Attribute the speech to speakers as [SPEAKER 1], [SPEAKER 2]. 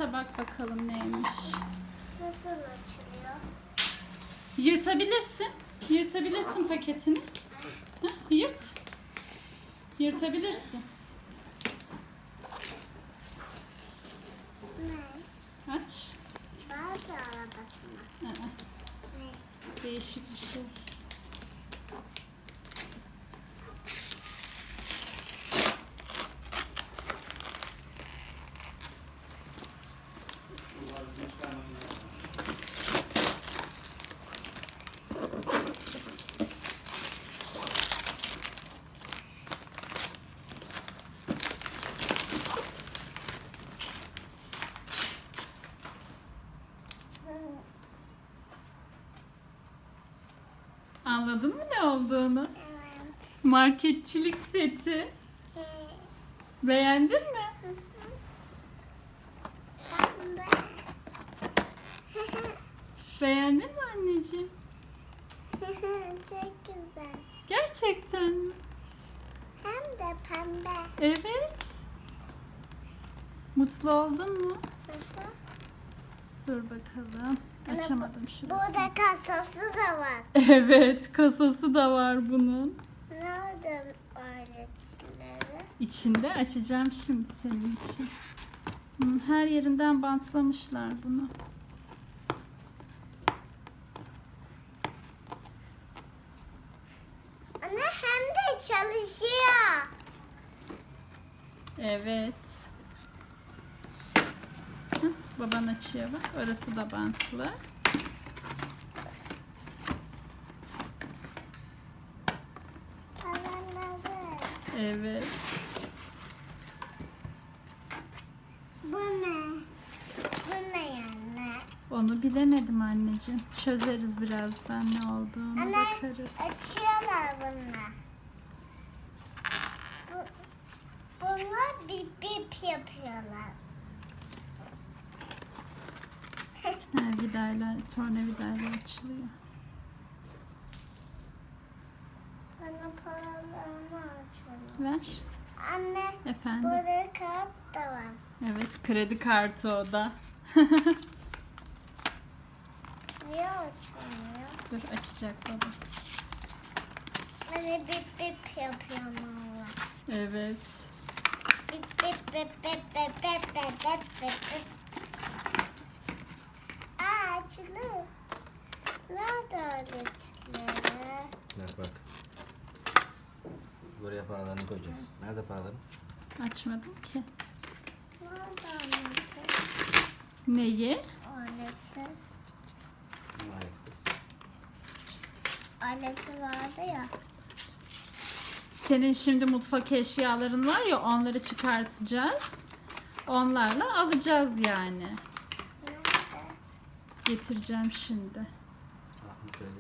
[SPEAKER 1] varsa bak bakalım neymiş.
[SPEAKER 2] Nasıl açılıyor?
[SPEAKER 1] Yırtabilirsin. Yırtabilirsin paketini. Hah, yırt. Yırtabilirsin.
[SPEAKER 2] Ne?
[SPEAKER 1] Aç.
[SPEAKER 2] Barbie arabası mı?
[SPEAKER 1] Aa,
[SPEAKER 2] Ne?
[SPEAKER 1] değişik bir şey. Anladın mı ne olduğunu?
[SPEAKER 2] Evet.
[SPEAKER 1] Marketçilik seti. Beğendin mi?
[SPEAKER 2] Pembe.
[SPEAKER 1] Beğendin mi anneciğim?
[SPEAKER 2] Çok güzel.
[SPEAKER 1] Gerçekten mi?
[SPEAKER 2] Hem de pembe.
[SPEAKER 1] Evet. Mutlu oldun mu? Dur bakalım. Açamadım şurasını.
[SPEAKER 2] Burada kasası da var.
[SPEAKER 1] Evet, kasası da var bunun.
[SPEAKER 2] Nerede aletleri?
[SPEAKER 1] İçinde açacağım şimdi senin için. Her yerinden bantlamışlar bunu.
[SPEAKER 2] Ana hem de çalışıyor.
[SPEAKER 1] Evet. Hah, baban açıyor bak. Orası da bantlı.
[SPEAKER 2] Anladım.
[SPEAKER 1] Evet.
[SPEAKER 2] Bu ne? Bu ne yani?
[SPEAKER 1] Onu bilemedim anneciğim. Çözeriz birazdan ne olduğunu
[SPEAKER 2] Anne
[SPEAKER 1] bakarız.
[SPEAKER 2] açıyorlar bunlar. Bunlar bip bip yapıyorlar.
[SPEAKER 1] Ha, vidayla, tornavidayla açılıyor.
[SPEAKER 2] Bana paralarını açıyorlar.
[SPEAKER 1] Ver.
[SPEAKER 2] Anne
[SPEAKER 1] Efendim.
[SPEAKER 2] burada kağıt da var.
[SPEAKER 1] Evet, kredi kartı o da.
[SPEAKER 2] Niye açmıyor?
[SPEAKER 1] Dur açacak baba.
[SPEAKER 2] Anne bip bip yapıyor valla.
[SPEAKER 1] Evet.
[SPEAKER 2] Bip bip bip bip bip bip bip bip bip. Aa açılıyor. Nerede aletleri?
[SPEAKER 3] Ver bak. Buraya paralarını koyacağız. Nerede paraların?
[SPEAKER 1] Açmadım ki.
[SPEAKER 2] Nerede aleti?
[SPEAKER 1] Neyi?
[SPEAKER 2] Aleti.
[SPEAKER 3] Var kız.
[SPEAKER 2] Aleti vardı ya.
[SPEAKER 1] Senin şimdi mutfak eşyaların var ya, onları çıkartacağız. Onlarla alacağız yani.
[SPEAKER 2] Nerede?
[SPEAKER 1] Getireceğim şimdi.
[SPEAKER 3] Ah, bu kredi